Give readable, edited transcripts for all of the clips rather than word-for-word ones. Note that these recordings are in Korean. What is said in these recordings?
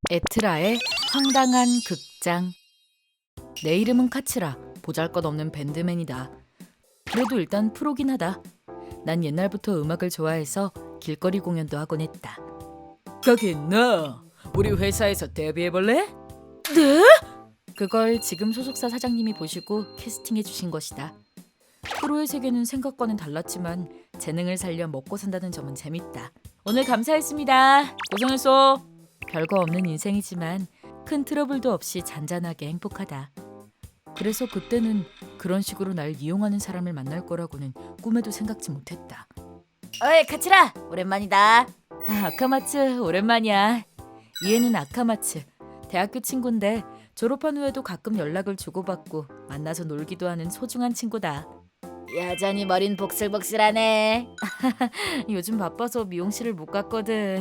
에트라의 황당한 극장. 내 이름은 카츠라. 보잘것없는 밴드맨이다. 그래도 일단 프로긴 하다. 난 옛날부터 음악을 좋아해서 길거리 공연도 하곤 했다. 거긴 너 우리 회사에서 데뷔해볼래? 네? 그걸 지금 소속사 사장님이 보시고 캐스팅해 주신 것이다. 프로의 세계는 생각과는 달랐지만 재능을 살려 먹고 산다는 점은 재밌다. 오늘 감사했습니다. 고생했어. 별거 없는 인생이지만 큰 트러블도 없이 잔잔하게 행복하다. 그래서 그때는 그런 식으로 날 이용하는 사람을 만날 거라고는 꿈에도 생각지 못했다. 어이 카츠라, 오랜만이다. 아카마츠 오랜만이야. 얘는 아카마츠, 대학교 친구인데 졸업한 후에도 가끔 연락을 주고받고 만나서 놀기도 하는 소중한 친구다. 여전히 머린 복슬복슬하네. 요즘 바빠서 미용실을 못 갔거든.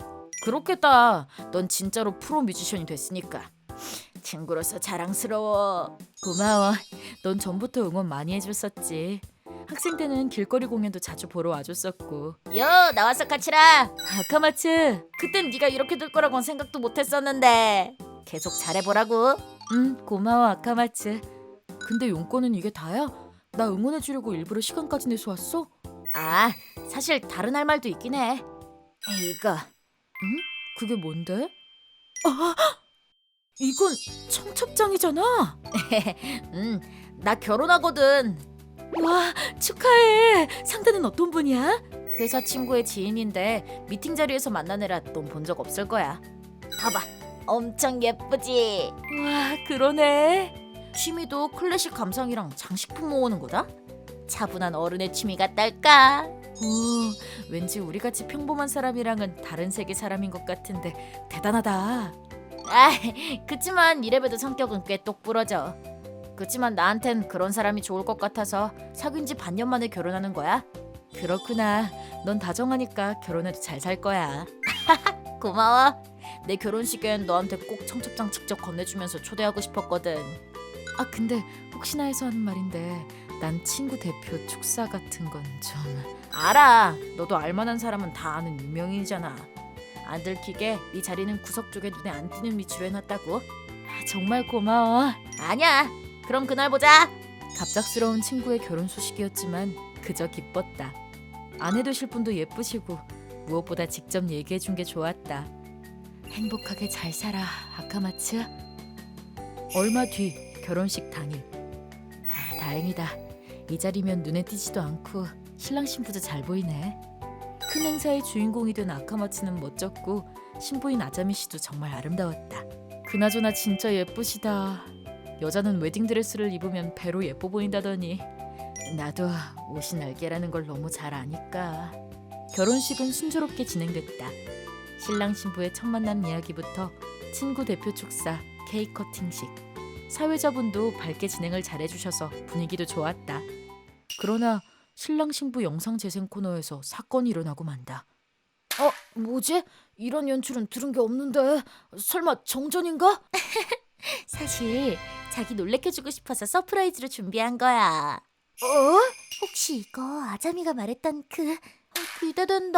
그렇겠다. 넌 진짜로 프로 뮤지션이 됐으니까. 친구로서 자랑스러워. 고마워. 넌 전부터 응원 많이 해줬었지. 학생 때는 길거리 공연도 자주 보러 와줬었고. 요, 나왔어 카츠라. 아카마츠, 그땐 네가 이렇게 될 거라고는 생각도 못했었는데 계속 잘해보라고. 고마워 아카마츠. 근데 용건은 이게 다야? 나 응원해주려고 일부러 시간까지 내서 왔어? 아, 사실 다른 할 말도 있긴 해. 이거. 그게 뭔데? 아, 이건 청첩장이잖아. 나 결혼하거든. 와, 축하해. 상대는 어떤 분이야? 회사 친구의 지인인데 미팅 자리에서 만나느라 넌 본 적 없을 거야. 봐봐, 엄청 예쁘지? 와, 그러네. 취미도 클래식 감상이랑 장식품 모으는 거다? 차분한 어른의 취미 같달까? 오, 왠지 우리같이 평범한 사람이랑은 다른 세계 사람인 것 같은데 대단하다. 아, 그치만 이래봬도 성격은 꽤 똑부러져. 그치만 나한텐 그런 사람이 좋을 것 같아서 사귄 지 반년 만에 결혼하는 거야. 그렇구나. 넌 다정하니까 결혼해도 잘 살 거야. 고마워. 내 결혼식엔 너한테 꼭 청첩장 직접 건네주면서 초대하고 싶었거든. 아, 근데 혹시나 해서 하는 말인데 난 친구 대표 축사 같은 건 좀... 알아. 너도 알만한 사람은 다 아는 유명인이잖아. 안 들키게 네 자리는 구석 쪽에 눈에 안 띄는 위치로 해놨다고. 정말 고마워. 아니야. 그럼 그날 보자. 갑작스러운 친구의 결혼 소식이었지만 그저 기뻤다. 아내 되실 분도 예쁘시고 무엇보다 직접 얘기해준 게 좋았다. 행복하게 잘 살아 아카마츠. 얼마 뒤 결혼식 당일. 다행이다. 이 자리면 눈에 띄지도 않고 신랑 신부도 잘 보이네. 큰 행사의 주인공이 된 아카마츠는 멋졌고 신부인 아자미 씨도 정말 아름다웠다. 그나저나 진짜 예쁘시다. 여자는 웨딩드레스를 입으면 배로 예뻐 보인다더니 나도 옷이 날개라는 걸 너무 잘 아니까. 결혼식은 순조롭게 진행됐다. 신랑 신부의 첫 만남 이야기부터 친구 대표 축사, 케이크 커팅식, 사회자분도 밝게 진행을 잘해주셔서 분위기도 좋았다. 그러나 신랑 신부 영상 재생 코너에서 사건이 일어나고 만다. 뭐지? 이런 연출은 들은 게 없는데 설마 정전인가? 사실 자기 놀래켜주고 싶어서 서프라이즈로 준비한 거야. 혹시 이거 아자미가 말했던 기대된다.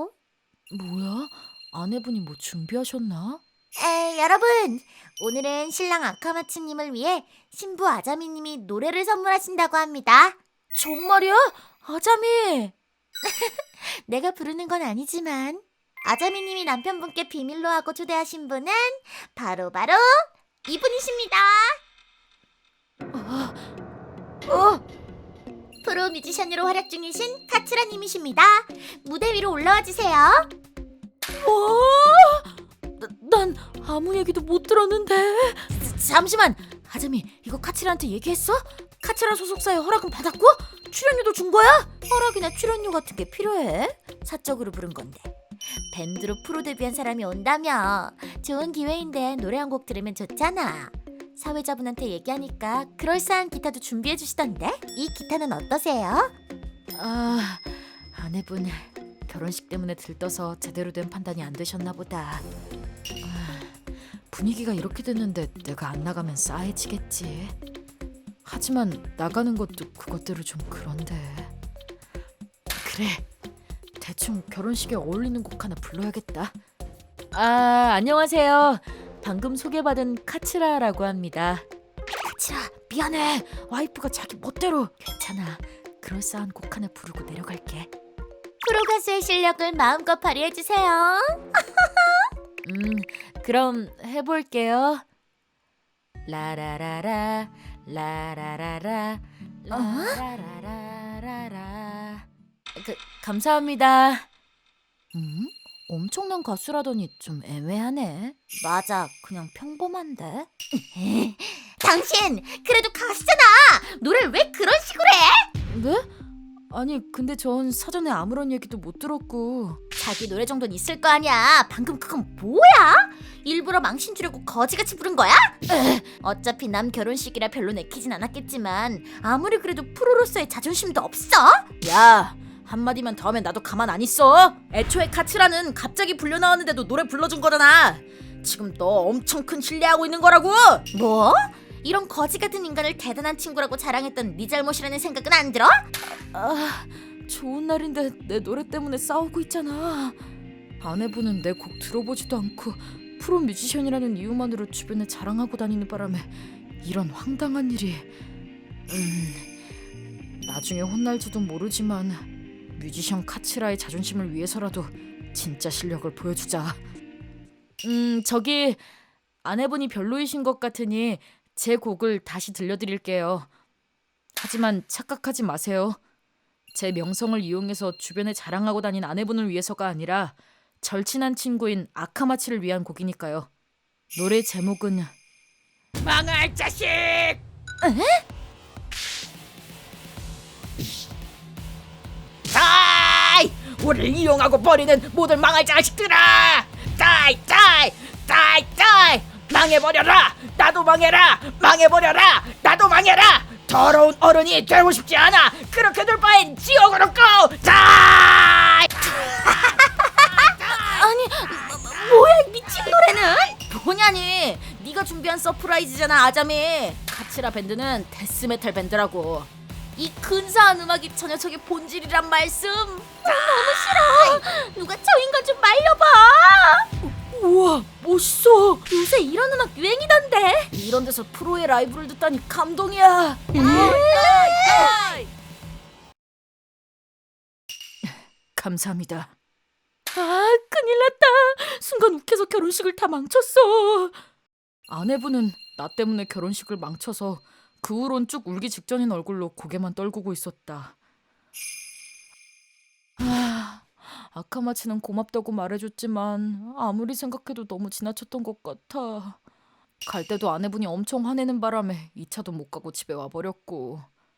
뭐야? 아내분이 뭐 준비하셨나? 여러분, 오늘은 신랑 아카마츠님을 위해 신부 아자미님이 노래를 선물하신다고 합니다. 정말이야? 아자미! 내가 부르는 건 아니지만 아자미님이 남편분께 비밀로 하고 초대하신 분은 바로 이분이십니다. 프로 뮤지션으로 활약 중이신 카츠라님이십니다. 무대 위로 올라와 주세요. 난 아무 얘기도 못 들었는데. 잠시만, 아자미 이거 카츠라한테 얘기했어? 카츠라 소속사에 허락은 받았고? 출연료도 준 거야? 허락이나 출연료 같은 게 필요해? 사적으로 부른 건데. 밴드로 프로 데뷔한 사람이 온다며. 좋은 기회인데 노래 한 곡 들으면 좋잖아. 사회자분한테 얘기하니까 그럴싸한 기타도 준비해 주시던데. 이 기타는 어떠세요? 아내분 결혼식 때문에 들떠서 제대로 된 판단이 안 되셨나 보다. 분위기가 이렇게 됐는데 내가 안 나가면 싸해지겠지. 하지만 나가는 것도 그것대로 좀 그런데. 그래, 대충 결혼식에 어울리는 곡 하나 불러야겠다. 안녕하세요. 방금 소개받은 카츠라라고 합니다. 카츠라, 미안해. 와이프가 자기 멋대로. 괜찮아. 그럴싸한 곡 하나 부르고 내려갈게. 프로 가수의 실력을 마음껏 발휘해주세요. 그럼 해볼게요. 라라라라 라라라라 라라라라라. 감사합니다. 엄청난 가수라더니 좀 애매하네. 맞아, 그냥 평범한데. 당신 그래도 가수잖아. 노래를 왜 그런 식으로 해? 네? 아니 근데 전 사전에 아무런 얘기도 못 들었고. 자기 노래 정도는 있을 거 아니야. 방금 그건 뭐야? 일부러 망신 주려고 거지같이 부른 거야? 어차피 남 결혼식이라 별로 내키진 않았겠지만 아무리 그래도 프로로서의 자존심도 없어? 야, 한마디만 더 하면 나도 가만 안 있어. 애초에 카츠라는 갑자기 불려 나왔는데도 노래 불러준 거잖아. 지금 너 엄청 큰 신뢰하고 있는 거라고. 뭐? 이런 거지 같은 인간을 대단한 친구라고 자랑했던 네 잘못이라는 생각은 안 들어? 좋은 날인데 내 노래 때문에 싸우고 있잖아. 아내분은 내 곡 들어보지도 않고 프로 뮤지션이라는 이유만으로 주변에 자랑하고 다니는 바람에 이런 황당한 일이. 나중에 혼날지도 모르지만 뮤지션 카츠라의 자존심을 위해서라도 진짜 실력을 보여주자. 저기 아내분이 별로이신 것 같으니 제 곡을 다시 들려드릴게요. 하지만 착각하지 마세요. 제 명성을 이용해서 주변에 자랑하고 다닌 아내분을 위해서가 아니라 절친한 친구인 아카마츠를 위한 곡이니까요. 노래 제목은 망할 자식! 다이! 우리를 이용하고 버리는 모든 망할 자식들아! 다이! 다이! 다이! 다이! 망해버려라! 나도 망해라! 망해버려라! 나도 망해라! 더러운 어른이 되고 싶지 않아! 그렇게 될 바엔 지옥으로 고! 다이! 아니, 뭐야 이 미친 노래는? 뭐냐니? 네가 준비한 서프라이즈잖아, 아자미. 카츠라 밴드는 데스메탈 밴드라고. 이 근사한 음악이 저 녀석의 본질이란 말씀. 너무 싫어. 누가 저 인간 좀 말려봐. 우와, 멋있어. 요새 이런 음악 유행이던데. 이런 데서 프로의 라이브를 듣다니 감동이야. 감사합니다. 큰일 났다. 순간 욱해서 결혼식을 다 망쳤어. 아내분은 나 때문에 결혼식을 망쳐서 그 후론 쭉 울기 직전인 얼굴로 고개만 떨구고 있었다. 아카마츠는 고맙다고 말해줬지만 아무리 생각해도 너무 지나쳤던 것 같아. 갈 때도 아내분이 엄청 화내는 바람에 2차도 못 가고 집에 와버렸고.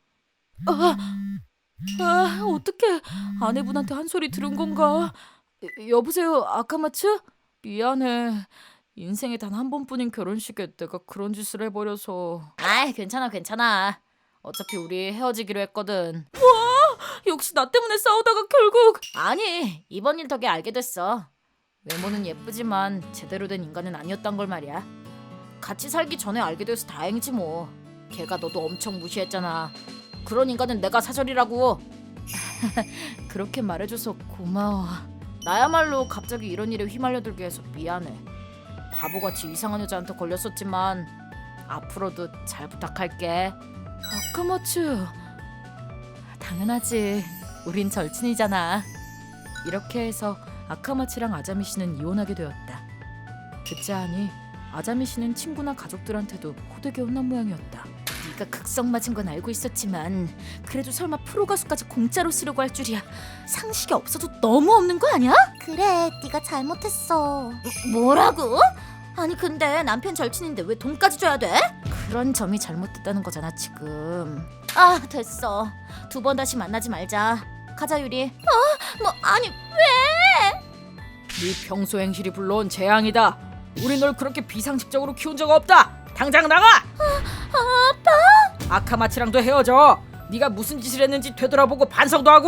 어떡해. 아내분한테 한 소리 들은 건가? 여보세요, 아카마츠? 미안해. 인생에 단 한 번뿐인 결혼식에 내가 그런 짓을 해버려서. 괜찮아 괜찮아. 어차피 우리 헤어지기로 했거든. 뭐? 역시 나 때문에 싸우다가 결국. 아니, 이번 일 덕에 알게 됐어. 외모는 예쁘지만 제대로 된 인간은 아니었단 걸 말이야. 같이 살기 전에 알게 돼서 다행이지 뭐. 걔가 너도 엄청 무시했잖아. 그런 인간은 내가 사절이라고. 그렇게 말해줘서 고마워. 나야말로 갑자기 이런 일에 휘말려들게 해서 미안해. 바보같이 이상한 여자한테 걸렸었지만 앞으로도 잘 부탁할게. 아카마츠. 당연하지. 우린 절친이잖아. 이렇게 해서 아카마츠랑 아자미 씨는 이혼하게 되었다. 듣자 하니 아자미 씨는 친구나 가족들한테도 호되게 혼난 모양이었다. 네가 극성 맞은 건 알고 있었지만 그래도 설마 프로 가수까지 공짜로 쓰려고 할 줄이야. 상식이 없어도 너무 없는 거 아니야? 그래, 네가 잘못했어. 뭐라고? 아니 근데 남편 절친인데 왜 돈까지 줘야 돼? 그런 점이 잘못됐다는 거잖아 지금. 됐어. 2번 다시 만나지 말자. 가자 유리. 아니 왜? 네 평소 행실이 불러온 재앙이다. 우리 널 그렇게 비상식적으로 키운 적 없다. 당장 나가. 아빠? 아카마츠랑도 헤어져. 네가 무슨 짓을 했는지 되돌아보고 반성도 하고.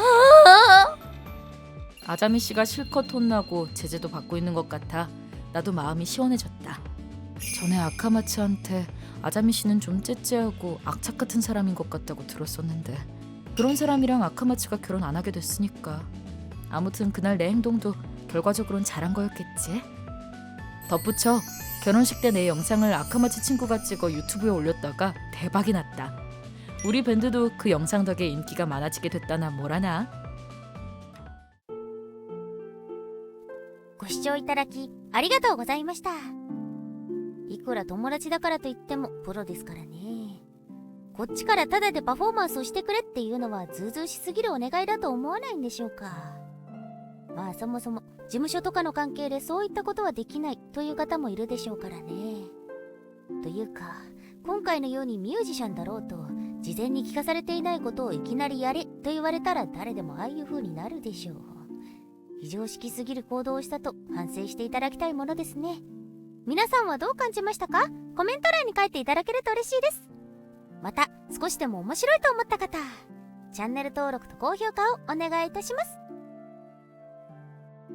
아자미 씨가 실컷 혼나고 제재도 받고 있는 것 같아 나도 마음이 시원해졌다. 전에 아카마츠한테 아자미 씨는 좀 째째하고 악착 같은 사람인 것 같다고 들었었는데 그런 사람이랑 아카마츠가 결혼 안 하게 됐으니까. 아무튼 그날 내 행동도 결과적으론 잘한 거였겠지. 덧붙여 결혼식 때 내 영상을 아카마츠 친구가 찍어 유튜브에 올렸다가 대박이 났다. 우리 밴드도 그 영상 덕에 인기가 많아지게 됐다나 뭐라나. ご視聴いただきありがとうございました。いくら友達だからといってもプロですからね。こっちからタダでパフォーマンスをしてくれっていうのはずうずうしすぎるお願いだと思わないんでしょうか。まあそもそも事務所とかの関係でそういったことはできないという方もいるでしょうからね。というか今回のようにミュージシャンだろうと事前に聞かされていないことをいきなりやれと言われたら誰でもああいう風になるでしょう。非常識すぎる行動をしたと反省していただきたいものですね。皆さんはどう感じましたか？コメント欄に書いていただけると嬉しいです。また少しでも面白いと思った方、チャンネル登録と高評価をお願いいたします。